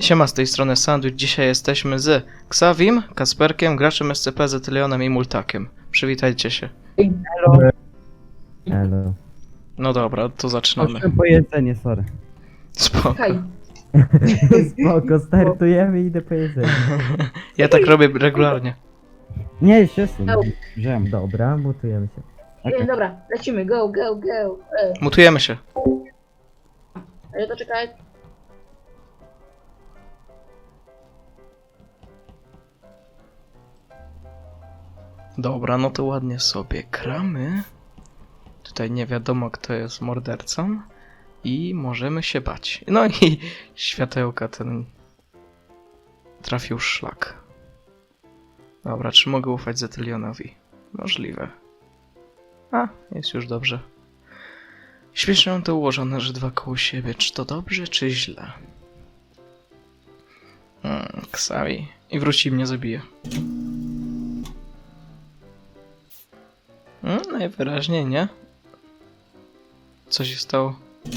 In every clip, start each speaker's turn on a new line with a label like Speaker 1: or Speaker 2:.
Speaker 1: Siema, z tej strony Sandwich. Dzisiaj jesteśmy z Xavim, Kasperkiem, graczem SCP, Zetylionem i Multakiem. Przywitajcie się.
Speaker 2: Elo.
Speaker 1: No dobra, to zaczynamy.
Speaker 3: Chodźmy po jedzenie, sorry.
Speaker 1: Spoko.
Speaker 4: Hej,
Speaker 2: Spoko, startujemy i idę po jedzenie.
Speaker 1: Ja tak robię regularnie.
Speaker 3: Nie, się sun.
Speaker 4: No.
Speaker 3: Wziąłem.
Speaker 2: Dobra, mutujemy się.
Speaker 3: Okej.
Speaker 4: dobra, lecimy, go, go, go.
Speaker 1: Mutujemy się.
Speaker 4: Ale to czekaj.
Speaker 1: Dobra, no to ładnie sobie kramy. Tutaj nie wiadomo, kto jest mordercą. I możemy się bać. No i światełka ten trafił w szlak. Dobra, czy mogę ufać Zetylionowi? Możliwe. A, jest już dobrze. Śmiesznie mam to ułożone, że dwa koło siebie. Czy to dobrze, czy źle? Xavi. I wróci i mnie zabije. Najwyraźniej nie. Co się stało?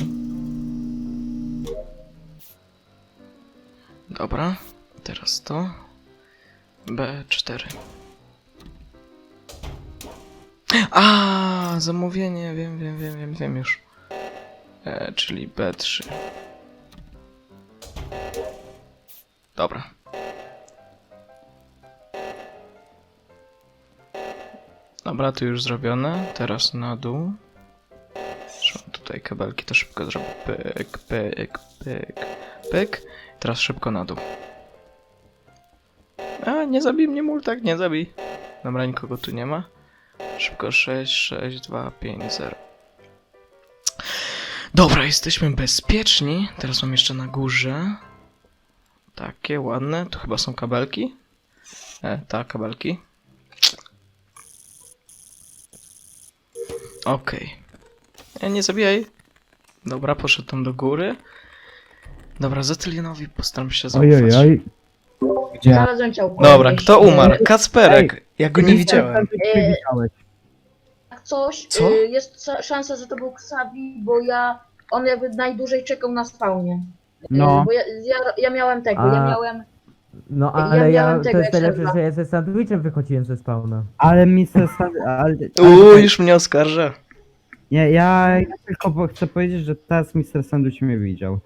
Speaker 1: Dobra, teraz to. B4. A, zamówienie, wiem już. Czyli B3. Dobra. Dobra, to już zrobione. Teraz na dół. Zresztą tutaj kabelki to szybko zrobię. Pyk, pyk, pyk, pyk. Teraz szybko na dół. A, nie zabij mnie, Multak, nie zabij. Dobra, nikogo tu nie ma. Szybko 6, 6, 2, 5, 0. Dobra, jesteśmy bezpieczni. Teraz mam jeszcze na górze. Takie ładne. Tu chyba są kabelki. Tak, kabelki. Okej. Nie zabijaj. Dobra, poszedł tam do góry. Dobra, Zetylionowi postaram się zaufać.
Speaker 3: Ojej.
Speaker 2: Gdzie?
Speaker 4: Znalazłem ciałko.
Speaker 1: Dobra,
Speaker 4: jakieś.
Speaker 1: kto umarł? Kacperek. Ja go nie widziałem.
Speaker 4: Jak coś,
Speaker 1: Co?
Speaker 4: jest szansa, że to był Xavi, bo on jakby najdłużej czekał na spawnie.
Speaker 3: No.
Speaker 4: Bo ja miałem tego,
Speaker 2: A.
Speaker 4: ja miałem...
Speaker 2: No
Speaker 4: Ja
Speaker 2: ale
Speaker 4: miałem
Speaker 2: to
Speaker 4: tego
Speaker 2: jest najlepsze,
Speaker 4: Excela.
Speaker 2: że ja ze sandwichem wychodziłem ze spawna.
Speaker 3: Ale Mr. Ale...
Speaker 1: Już mnie oskarża.
Speaker 3: Nie, ja tylko chcę powiedzieć, że teraz Mr. Sandwich mnie widział.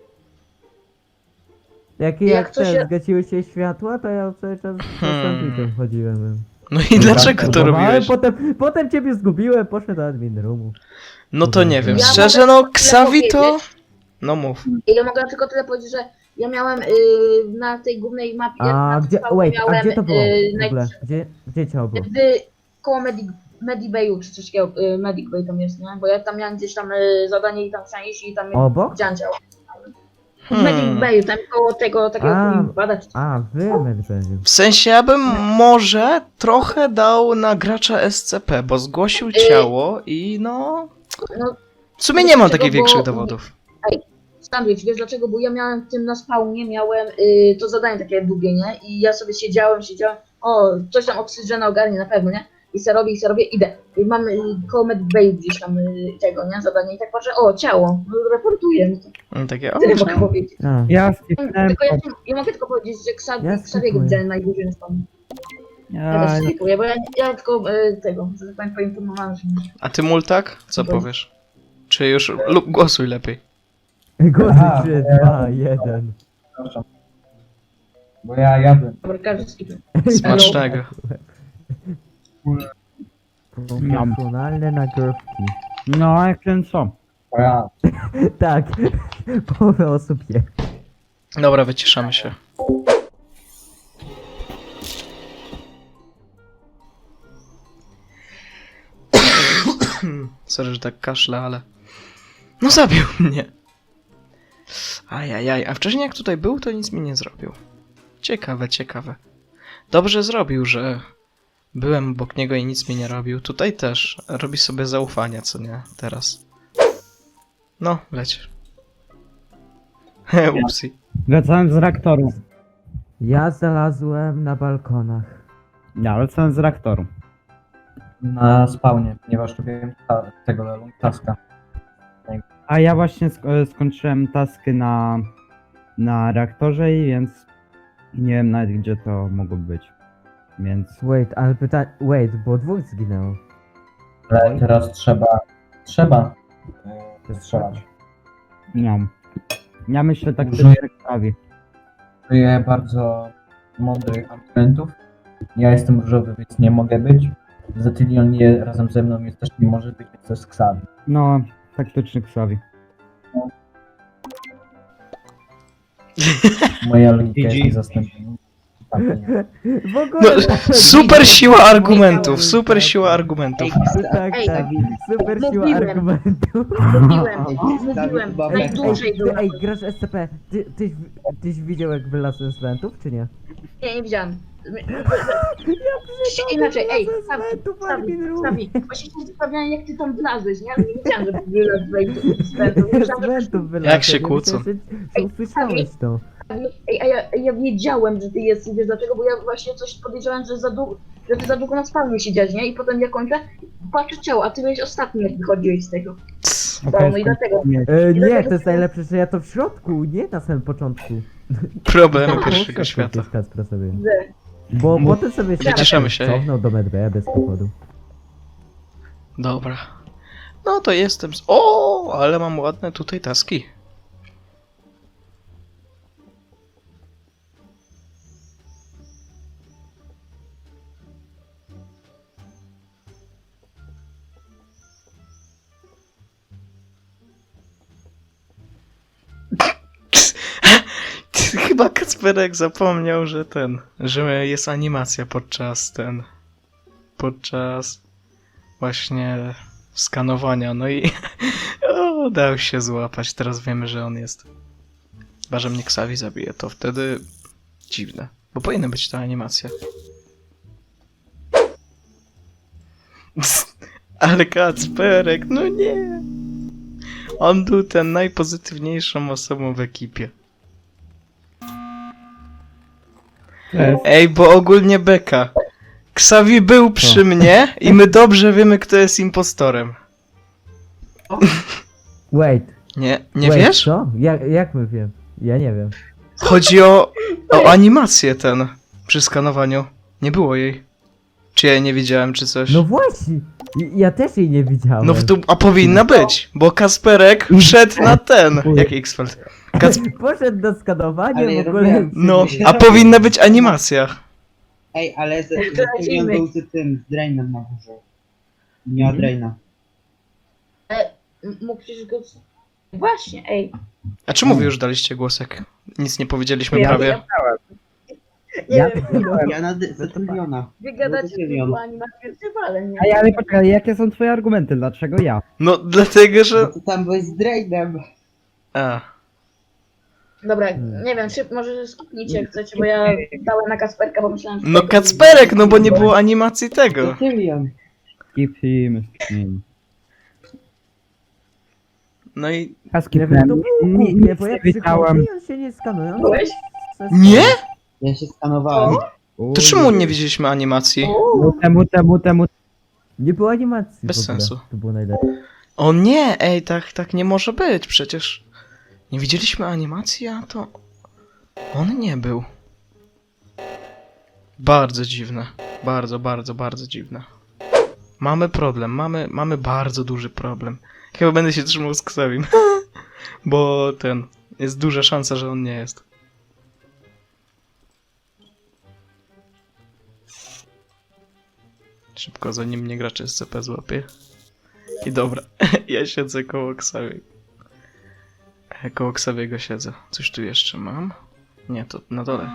Speaker 2: Jak
Speaker 4: to się-
Speaker 2: zgasiły się światła, to ja cały czas ze sandwichem chodziłem.
Speaker 1: No i dlaczego to robiłeś?
Speaker 2: Potem ciebie zgubiłem, poszedłem do admin roomu.
Speaker 1: No to nie wiem.
Speaker 4: Ja
Speaker 1: Szczerze,
Speaker 4: mogę
Speaker 1: no
Speaker 4: tyle
Speaker 1: Xavi to...
Speaker 4: powiedzieć.
Speaker 1: No mów.
Speaker 4: Ja mogę tylko tyle powiedzieć, że ja miałem na tej głównej mapie...
Speaker 2: A
Speaker 4: na
Speaker 2: gdzie,
Speaker 4: spawnie
Speaker 2: wait, a
Speaker 4: miałem,
Speaker 2: gdzie to było w
Speaker 4: naj-
Speaker 2: ogóle? Gdzie ciało było?
Speaker 4: koło Medibayu czy coś takiego, Medic Bay tam jest, nie? Bo ja tam miałem gdzieś tam zadanie i tam chciałem iść i tam
Speaker 2: Obok?
Speaker 4: dział. W Medic Bayu, tam koło tego takiego
Speaker 2: A.
Speaker 4: badać.
Speaker 2: A, wy medbędzie.
Speaker 1: W sensie ja bym może trochę dał na gracza SCP, bo zgłosił ciało i no...
Speaker 4: No,
Speaker 1: W sumie nie mam
Speaker 4: Dlaczego?
Speaker 1: takich
Speaker 4: Bo-
Speaker 1: większych dowodów.
Speaker 4: Sandwich, wiesz dlaczego? Bo ja miałem w tym na spawnie, miałem to zadanie takie długie, nie? I ja sobie siedziałem, o, coś tam oksygena ogarnie na pewno, nie? I se robię, idę. I mam koło Medic gdzieś tam tego, nie? Zadanie i tak patrzę, o, ciało, no, reportuję. No to
Speaker 1: Takie, o,
Speaker 4: tyle mogę
Speaker 1: ciało.
Speaker 4: powiedzieć.
Speaker 2: A,
Speaker 3: Ja skipnąłem
Speaker 4: Tylko ja mogę tylko powiedzieć, że
Speaker 2: Ja
Speaker 4: Xaviego
Speaker 2: skipuję.
Speaker 4: widziałem najdłużej na spawnie. Ja też skipuję, bo ja tylko tego, że tak powiem, poinformowałem, że
Speaker 1: A ty, Multak? Co
Speaker 4: Bo-
Speaker 1: powiesz? Czy już... lub głosuj lepiej.
Speaker 2: głosy 3, 2, 1.
Speaker 5: Bo ja jadłem.
Speaker 4: dobra, każdy skipuje.
Speaker 1: Smacznego.
Speaker 2: Profesjonalne nagrywki.
Speaker 3: No, jak ten co?
Speaker 5: Bo ja.
Speaker 2: Tak, połowę osób je.
Speaker 1: Dobra, wyciszamy się. Sorry, że tak kaszlę, ale... No zabił mnie! Ajajaj, a wcześniej jak tutaj był, to nic mi nie zrobił. Ciekawe, ciekawe. Dobrze zrobił, że byłem obok niego i nic mi nie robił. Tutaj też robi sobie zaufanie, co nie? Teraz. No, leć. Upsi.
Speaker 3: Wracałem z reaktoru.
Speaker 2: Ja znalazłem na balkonach.
Speaker 3: Ja wracałem z reaktoru.
Speaker 5: Na spawnie, ponieważ robiłem tego taska.
Speaker 3: A ja właśnie skończyłem tasky na na reaktorze i więc nie wiem nawet gdzie to mogło być. Więc
Speaker 2: Wait, ale wait, bo dwóch zginęło.
Speaker 5: Ale teraz trzeba strzelać.
Speaker 3: no. Ja myślę tak
Speaker 5: Użyję-
Speaker 3: Xavi.
Speaker 5: Użyję bardzo mądrych argumentów. Ja jestem różowy, więc nie mogę być. Zetylion nie razem ze mną jest też nie może być, więc to jest Xavi.
Speaker 3: No, taktyczny Xavi.
Speaker 5: Moja logika jest
Speaker 6: GG.
Speaker 5: niezastąpiona. Tak, nie.
Speaker 2: W ogóle...
Speaker 1: No, super siła argumentów, super siła argumentów.
Speaker 2: Tak,
Speaker 4: Ej,
Speaker 2: tak. Super siła
Speaker 4: mówiłem.
Speaker 2: argumentów.
Speaker 4: Mówiłem,
Speaker 6: Chyba
Speaker 4: najdłużej był.
Speaker 2: Ej, grasz SCP. Tyś widział jak wylazłem z wentów, czy nie?
Speaker 4: Nie widziałem. Inaczej, Stawi, właśnie się zastanawiałem jak ty tam wlazłeś, nie? Ale nie wiedziałem, że wylazłeś z wentów.
Speaker 2: Z wentów wylazłem.
Speaker 1: Jak się kłócą.
Speaker 2: Myślałem, że usłyszałeś to.
Speaker 4: Ej, a ja wiedziałem, że ty jesteś, wiesz dlaczego? Bo ja właśnie coś podejrzewałem, że ty za długo na spawnie siedziałeś, nie? I potem ja kończę, patrzę ciało, a ty byłeś ostatni jak wychodziłeś z tego. No i dlatego.
Speaker 2: Nie, to jest najlepsze, że ja to w środku, nie na samym początku.
Speaker 1: Problemy
Speaker 4: No,
Speaker 1: pierwszego świata.
Speaker 2: Bo
Speaker 4: Nie
Speaker 2: potem sobie
Speaker 1: Nie cieszymy się.
Speaker 2: cofnął do medbaya bez powodu.
Speaker 1: Dobra. No to jestem. O, ale mam ładne tutaj taski. Chyba Kacperek zapomniał, że jest animacja podczas właśnie skanowania, no i dał się złapać, teraz wiemy, że on jest. Chyba, że mnie Xavi zabije, to wtedy dziwne, bo powinna być ta animacja. Ale Kacperek, no nie! On był ten najpozytywniejszą osobą w ekipie. Ej, bo ogólnie beka. Xavi był przy mnie i my dobrze wiemy, kto jest impostorem.
Speaker 2: Wait,
Speaker 1: Nie wiesz?
Speaker 2: co? Jak my wiem? Ja nie wiem.
Speaker 1: Chodzi o animację przy skanowaniu. Nie było jej. Czy ja jej nie widziałem, czy coś?
Speaker 2: No właśnie! Ja też jej nie widziałem.
Speaker 1: No a powinna być, bo Kasperek wszedł na jak X-Feld.
Speaker 2: Poszedł do skanowania
Speaker 6: Ale
Speaker 2: w
Speaker 6: ja
Speaker 2: ogóle.
Speaker 6: robiłem.
Speaker 1: No, a powinna być animacja.
Speaker 6: Ej, ale
Speaker 4: to
Speaker 6: Zetylion był z tym, z Drainem na górze. Nie od Draina.
Speaker 4: Mógł przecież go... Właśnie, ej.
Speaker 1: A czemu wy już daliście głosek? Nic nie powiedzieliśmy
Speaker 4: Ja-
Speaker 1: prawie.
Speaker 4: Nie
Speaker 3: Ja
Speaker 4: wiem,
Speaker 6: Ja na Zetyliona.
Speaker 4: wy gadacie
Speaker 6: Zetylion.
Speaker 4: tylko animację, ale nie.
Speaker 3: Ale poczekaj, jakie są twoje argumenty? Dlaczego ja?
Speaker 1: No, dlatego,
Speaker 6: No
Speaker 1: że...
Speaker 6: to tam byłeś z Drainem.
Speaker 1: A,
Speaker 4: Dobra, nie wiem, może skipnijcie jak chcecie, bo ja dałem na Kasperka, bo myślałem, że...
Speaker 1: no Kacperek, no bo nie było animacji tego.
Speaker 6: Zetylion.
Speaker 3: Skipnijmy.
Speaker 1: No i...
Speaker 2: Nie wiem, to było głupie, bo ja
Speaker 3: nie wiedziałem.
Speaker 2: przychodzę i on się nie skanuje. on
Speaker 4: Byłeś?
Speaker 2: se-
Speaker 1: Nie?
Speaker 6: Ja się skanowałem.
Speaker 1: To czemu nie widzieliśmy animacji?
Speaker 3: Temu.
Speaker 2: Nie było animacji
Speaker 1: Bez
Speaker 2: w ogóle.
Speaker 1: sensu.
Speaker 2: To było najlepsze.
Speaker 1: O nie, ej, tak nie może być, przecież... Nie widzieliśmy animacji, a to... On nie był. Bardzo dziwne. Bardzo dziwne. Mamy problem, mamy bardzo duży problem. Chyba będę się trzymał z Ksawim. Bo jest duża szansa, że on nie jest. Szybko, zanim mnie gracz SCP złapie. I dobra, ja siedzę koło Ksawi. Koło Ksawiego siedzę. Coś tu jeszcze mam? Nie, to na dole.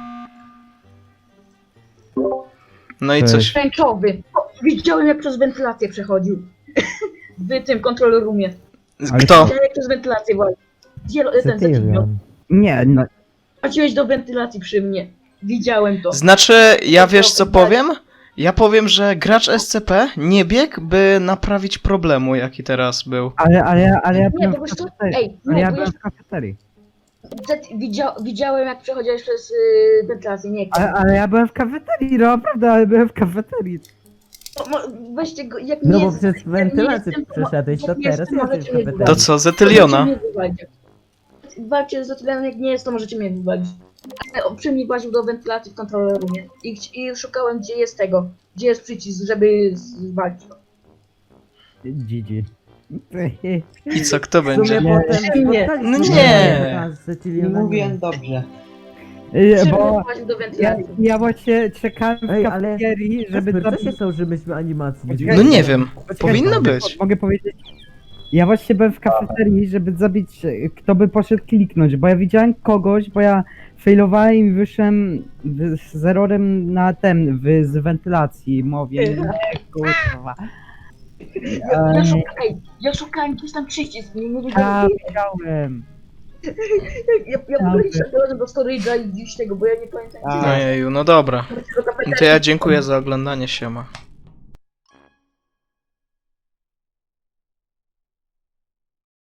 Speaker 1: No i coś...
Speaker 4: Tęczowy. Widziałem jak przez wentylację przechodził. W tym control roomie.
Speaker 1: Kto?
Speaker 4: Widziałem jak przez wentylację właśnie. Ten Zetylion.
Speaker 2: Zetylion.
Speaker 3: Nie, no,
Speaker 4: Chodziłeś do wentylacji przy mnie. Widziałem to.
Speaker 1: Znaczy, ja wiesz co powiem? Ja powiem, że gracz SCP nie biegł, by naprawić problemu, jaki teraz był.
Speaker 3: ale ja
Speaker 4: Nie,
Speaker 3: byłem
Speaker 4: po
Speaker 3: w
Speaker 4: prostu...
Speaker 3: kafeterii.
Speaker 4: Ej,
Speaker 3: Ale
Speaker 4: nie,
Speaker 3: ja
Speaker 4: bo
Speaker 3: byłem w kafeterii.
Speaker 4: widziałem jak przechodziłeś przez wentylację, nie.
Speaker 3: Ale ja byłem w kafeterii, no naprawdę, ale byłem w kafeterii.
Speaker 4: Weźcie go, jak
Speaker 2: No
Speaker 4: nie
Speaker 2: bo
Speaker 4: jest-
Speaker 2: przez
Speaker 4: jak nie
Speaker 2: wentylację
Speaker 4: jestem, to
Speaker 2: przeszedłeś, to
Speaker 4: jak nie
Speaker 2: teraz
Speaker 4: jestem,
Speaker 2: jesteś
Speaker 4: możecie
Speaker 2: w
Speaker 4: mnie
Speaker 2: kafeterii.
Speaker 1: To co, Zetyliona?
Speaker 4: walczy z Zatylianem, jak nie jest, to możecie mnie wywalić. Ale przy mnie właził do wentylacji w control roomie i szukałem, gdzie jest przycisk, żeby zwalić go.
Speaker 3: GG.
Speaker 1: I co, kto
Speaker 2: W sumie
Speaker 1: będzie?
Speaker 2: potem
Speaker 4: Nie.
Speaker 2: spotkaliśmy
Speaker 1: No
Speaker 2: się
Speaker 1: nie.
Speaker 2: z Cecilią.
Speaker 6: Mówiłem dobrze.
Speaker 4: Przy
Speaker 3: Bo
Speaker 4: mnie właził do
Speaker 3: ja,
Speaker 4: wentylacji.
Speaker 3: ja właśnie czekałem w
Speaker 2: Ej, ale-
Speaker 3: kafeterii, żeby
Speaker 2: Kasper, co się
Speaker 3: zabić...
Speaker 2: stało, że myśmy animacji?
Speaker 3: Poczekaj.
Speaker 1: No nie wiem,
Speaker 3: Poczekaj,
Speaker 1: powinno być.
Speaker 3: Mogę powiedzieć... Ja właśnie byłem w kafeterii, żeby zabić, kto by poszedł kliknąć, bo ja widziałem kogoś, bo ja failowałem i wyszłem z errorem na z wentylacji, mówię, nie, kurwa.
Speaker 4: Ja szukałem gdzieś tam przycisk, nie
Speaker 3: Ja
Speaker 4: wiedziałem.
Speaker 3: widziałem.
Speaker 4: Ja w ogóle szedłem do storage'a i gdzieś tego, bo ja nie pamiętam.
Speaker 6: A.
Speaker 1: Ojeju, no dobra.
Speaker 4: gdzie do kafeterii.
Speaker 1: To ja dziękuję za oglądanie, siema.